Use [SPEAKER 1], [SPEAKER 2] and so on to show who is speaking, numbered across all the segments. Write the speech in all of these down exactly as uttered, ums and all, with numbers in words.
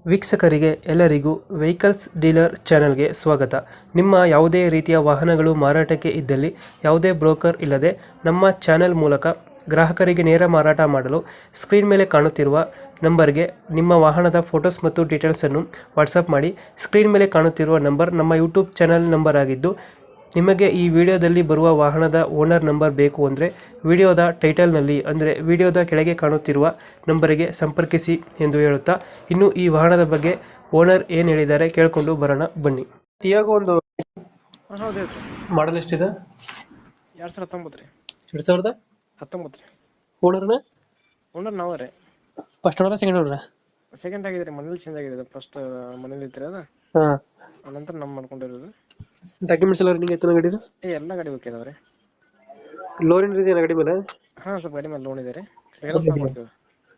[SPEAKER 1] ವೀಕ್ಷಕರಿಗೆ ಎಲ್ಲರಿಗೂ vehicles dealer ಚಾನೆಲ್ಗೆ ಸ್ವಾಗತ. ನಿಮ್ಮ ಯಾವುದೇ ರೀತಿಯ ವಾಹನಗಳು ಮಾರಾಟಕ್ಕೆ ಇದ್ದಲ್ಲಿ ಯಾವುದೇ ಬ್ರೋಕರ್ ಇಲ್ಲದೆ ನಮ್ಮ ಚಾನೆಲ್ ಮೂಲಕ ಗ್ರಾಹಕರಿಗೆ ನೇರ ಮಾರಾಟ ಮಾಡಲು ಸ್ಕ್ರೀನ್ ಮೇಲೆ ಕಾಣುತ್ತಿರುವ ನಂಬರ್ಗೆ ನಿಮ್ಮ ವಾಹನದ ಫೋಟೋಸ್ ಮತ್ತು ಡೀಟೇಲ್ಸನ್ನು ವಾಟ್ಸಪ್ ಮಾಡಿ. ಸ್ಕ್ರೀನ್ ಮೇಲೆ ಕಾಣುತ್ತಿರುವ ನಂಬರ್ ನಮ್ಮ ಯೂಟ್ಯೂಬ್ ಚಾನೆಲ್ ನಂಬರ್ ಆಗಿದ್ದು, ನಿಮಗೆ ಈ ವಿಡಿಯೋದಲ್ಲಿ ಬರುವ ವಾಹನದ ಓನರ್ ನಂಬರ್ ಬೇಕು ಅಂದರೆ ವಿಡಿಯೋದ ಟೈಟಲ್ನಲ್ಲಿ ಅಂದರೆ ವಿಡಿಯೋದ ಕೆಳಗೆ ಕಾಣುತ್ತಿರುವ ನಂಬರಿಗೆ ಸಂಪರ್ಕಿಸಿ ಎಂದು ಹೇಳುತ್ತಾ, ಇನ್ನು ಈ ವಾಹನದ ಬಗ್ಗೆ ಓನರ್ ಏನು ಹೇಳಿದ್ದಾರೆ ಕೇಳಿಕೊಂಡು ಬರೋಣ ಬನ್ನಿ. ಟಿಯಾಗೋ ಒಂದು
[SPEAKER 2] ಹಾಂ ಹೌದು ಹೇಳ್ರಿ.
[SPEAKER 1] ಮಾಡಲ್ ಎಷ್ಟಿದೆ?
[SPEAKER 2] ಎರಡು ಸಾವಿರ ಹತ್ತೊಂಬತ್ತು ರೀ.
[SPEAKER 1] ಎರಡು ಸಾವಿರದ
[SPEAKER 2] ಹತ್ತೊಂಬತ್ತು ರೀ.
[SPEAKER 1] ಓನರ್ನ
[SPEAKER 2] ಓನರ್ ನಾವೇ ರೀ.
[SPEAKER 1] First owner second owner?
[SPEAKER 2] Second ಆಗಿದೆ ರೀ, ಮನೇಲಿ ಚೇಂಜ್ ಆಗಿದೆ. ಫಸ್ಟ್ ಮನೇಲಿ ಇತ್ತು ಅದು,
[SPEAKER 1] ಹಾಂ,
[SPEAKER 2] ನಂತರ ನಮ್ಮ ಮಾಡ್ಕೊಂಡಿರೋದು.
[SPEAKER 1] ಡಾಕ್ಯುಮೆಂಟ್ಸ್ ಎಲ್ಲ ರನ್ನಿಂಗ್ ಆಯ್ತು ಗಾಡಿದು?
[SPEAKER 2] ಏ ಎಲ್ಲ ಗಾಡಿ ಓಕೆ ಅದಾವೆ ರೀ.
[SPEAKER 1] ಲೋನ್ ಏನಿದೆ ಗಾಡಿ ಮೇಲೆ?
[SPEAKER 2] ಹಾಂ, ಸ್ವಲ್ಪ ಗಾಡಿ ಮೇಲೆ ಲೋನ್ ಇದೆ ರೀ. ಕ್ಲಿಯರೆನ್ಸ್ ಮಾಡ್ಕೊಡ್ತೀವಿ.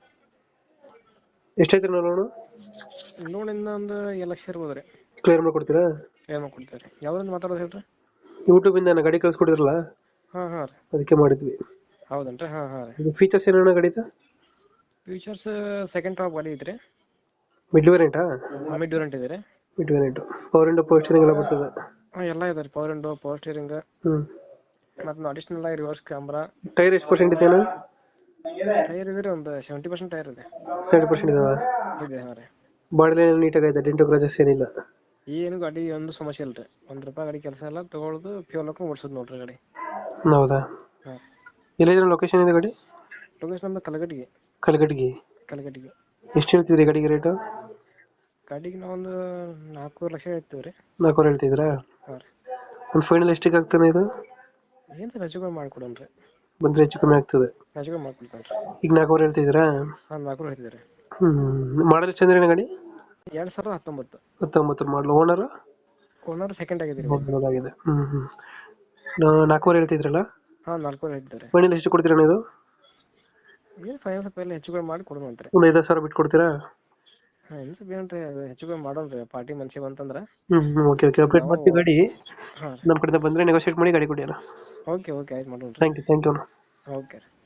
[SPEAKER 1] ಎಷ್ಟೈತೆ ನಾವು ಲೋನು?
[SPEAKER 2] ಲೋನಿಂದ ಒಂದು ಎರಡು ಲಕ್ಷ ಇರ್ಬೋದು ರೀ.
[SPEAKER 1] ಕ್ಲಿಯರ್ ಮಾಡ್ಕೊಡ್ತೀರಾ?
[SPEAKER 2] ಕ್ಲಿಯರ್ ಮಾಡ್ಕೊಡ್ತೀವಿ ರೀ. ಯಾವ್ದ್ರಿಂದ ಮಾತಾಡೋದು ಹೇಳ್ರಿ?
[SPEAKER 1] ಯೂಟ್ಯೂಬಿಂದ ನಾನು ಗಾಡಿ ಕಳ್ಸಿಕೊಡಿದ್ರಲ್ಲ,
[SPEAKER 2] ಹಾಂ ಹಾಂ ರೀ.
[SPEAKER 1] ಅದಕ್ಕೆ ಮಾಡಿದ್ವಿ.
[SPEAKER 2] ಹೌದೇನು ರೀ? ಹಾಂ ಹಾಂ ರೀ.
[SPEAKER 1] ಇದು ಫೀಚರ್ಸ್ ಏನೇನು ಗಾಡಿದು?
[SPEAKER 2] ಫ್ಯೂಚರ್ಸ್ ಸೆಕೆಂಡ್ ಟಾಪ್ ಗಾಡಿ ಐತ್ರಿ.
[SPEAKER 1] ಮಿಡ್ ವೇರಿಯಂಟಾ?
[SPEAKER 2] ಮಿಡ್ ವೇರಿಯಂಟ್ ಇದೆ ರೀ.
[SPEAKER 1] Mid variant. Power window power steering ಎಲ್ಲ ಬರ್ತದೆ?
[SPEAKER 2] ಹಾಂ, ಎಲ್ಲ ಇದೆ ರೀ. ಪವರ್ ವಿಂಡೋ, ಪವರ್ ಸ್ಟೀರಿಂಗ್,
[SPEAKER 1] ಹ್ಞೂ.
[SPEAKER 2] ಮತ್ತು ಅಡಿಷನಲ್ ಆಗಿ ರಿವರ್ಸ್ ಕ್ಯಾಮ್ರಾ.
[SPEAKER 1] ಟೈರ್ ಎಷ್ಟು ಪರ್ಸೆಂಟ್ ಇದೆ?
[SPEAKER 2] ಟೈರ್ ಇದೆ ರೀ, ಒಂದು ಸೆವೆಂಟಿ ಪರ್ಸೆಂಟ್ ಟೈರ್ ಇದೆ.
[SPEAKER 1] ಸೆವೆಂಟಿ ಪರ್ಸೆಂಟ್ ಇದಾವೆ?
[SPEAKER 2] ಇದೆ, ಹಾಂ ರೀ.
[SPEAKER 1] ಬಾಡಿ ನೀಟಾಗಿ ಐತೆ, ಡೆಂಟು ಕ್ರಾಚಸ್ ಏನಿಲ್ಲ?
[SPEAKER 2] ಏನು ಗಾಡಿ ಒಂದು ಸಮಸ್ಯೆ ಇಲ್ಲ ರೀ. ಒಂದು ರೂಪಾಯಿ ಗಾಡಿ ಕೆಲಸ ಎಲ್ಲ ತೊಗೊಳೋದು, ಫ್ಯೂಲ್ ಹಾಕೊಂಡು ಓಡಿಸೋದು ನೋಡ್ರಿ ಗಾಡಿ.
[SPEAKER 1] ಹೌದಾ?
[SPEAKER 2] ಹಾಂ.
[SPEAKER 1] ಎಲ್ಲಿದೆ ಲೊಕೇಶನ್ ಇದೆ ಗಾಡಿ?
[SPEAKER 2] ಲೊಕೇಶನ್ ನಮ್ಮದು ಕಲಗಟ್ಟಿಗೆ.
[SPEAKER 1] ಕಲಗಟ್ಟಿಗೆ?
[SPEAKER 2] ಕಲಗಟ್ಟಿಗೆ.
[SPEAKER 1] ಎಷ್ಟು ಹೇಳ್ತಿದ್ರಿ ಗಾಡಿಗೆ ರೇಟು?
[SPEAKER 2] ಗಾಡಿಗೆ ನಾವೊಂದು ನಾಲ್ಕೂವರೆ ಲಕ್ಷ ಹೇಳ್ತೀವಿ ರೀ.
[SPEAKER 1] ನಾಲ್ಕೂವರೆ ಹೇಳ್ತಿದ್ರಾ?
[SPEAKER 2] ಹಾಂ ರೀ.
[SPEAKER 1] ಒಂದು ಫೈನಲ್ ಎಷ್ಟಿಗೆ ಆಗ್ತಾನೆ ಇದು?
[SPEAKER 2] ಏನು ಸ್ವಲ್ಪ ಹೆಚ್ಚು ಕಮ್ಮಿ ಮಾಡಿಕೊಡೋಣ ರೀ.
[SPEAKER 1] ಬಂದರೆ ಹೆಚ್ಚು ಕಮ್ಮಿ ಆಗ್ತದೆ?
[SPEAKER 2] ಹೆಚ್ಚು ಕಮ್ಮಿ ಮಾಡ್ಕೊಡ್ತಾನೆ ರೀ.
[SPEAKER 1] ಈಗ ನಾಲ್ಕೂವರೆ ಹೇಳ್ತಿದ್ದೀರಾ?
[SPEAKER 2] ಹಾಂ, ನಾಲ್ಕೂವರೆ ಹೇಳ್ತಿದ್ದೆ ರೀ.
[SPEAKER 1] ಹ್ಞೂ. ಮಾಡಲ್ ಎಷ್ಟು ಅಂದ್ರೆ ಗಾಡಿ?
[SPEAKER 2] ಎರಡು ಸಾವಿರದ ಹತ್ತೊಂಬತ್ತು.
[SPEAKER 1] ಹತ್ತೊಂಬತ್ತು ಮಾಡಲು. ಓನರು?
[SPEAKER 2] ಓನರ್ ಸೆಕೆಂಡ್ ಆಗಿದ್ದೀರಿ.
[SPEAKER 1] ಆಗಿದೆ. ಹ್ಞೂ ಹ್ಞೂ. ನಾಲ್ಕೂವರೆ ಹೇಳ್ತಿದ್ರಲ್ಲ?
[SPEAKER 2] ಹಾಂ, ನಾಲ್ಕೂವರೆ ಹೇಳ್ತಿದ್ದಾರೆ.
[SPEAKER 1] ಫೈನಲ್ ಎಷ್ಟು ಕೊಡ್ತೀರಾ ಇದು?
[SPEAKER 2] ಏನು ಫೈನಾನ್ಸ್ ಎಲ್ಲ ಹೆಚ್ಚು ಕಮ್ಮಿ ಮಾಡಿ ಕೊಡೋಣ ಅಂತ ರೀ.
[SPEAKER 1] ಒಂದು ಐದು ಸಾವಿರ ಬಿಟ್ಟು ಕೊಡ್ತೀರಾ?
[SPEAKER 2] ಹಾಂ, ಏನು ಸ್ವಲ್ಪ ಏನು ರೀ, ಅದು ಹೆಚ್ಚು ಕಮ್ಮಿ ಮಾಡೋಣ ರೀ. ಪಾರ್ಟಿ ಮನ್ಸಿಗೆ ಬಂತಂದ್ರೆ.
[SPEAKER 1] ಹ್ಞೂ ಹ್ಞೂ. Okay okay. ಅಪ್ಡೇಟ್ ಮಾಡ್ತೀವಿ ಗಾಡಿ.
[SPEAKER 2] ಹಾಂ.
[SPEAKER 1] ನಮ್ಮ ಕಡೆಯಿಂದ ಬಂದರೆ ನೆಗೋಷಿಯೇಟ್ ಮಾಡಿ ಗಾಡಿ ಕೊಡಿ ಅಲ್ಲ.
[SPEAKER 2] ಓಕೆ ಓಕೆ, ಆಯ್ತು ಮಾಡೋಣ ರೀ.
[SPEAKER 1] Thank you thank you.
[SPEAKER 2] Okay ರೀ.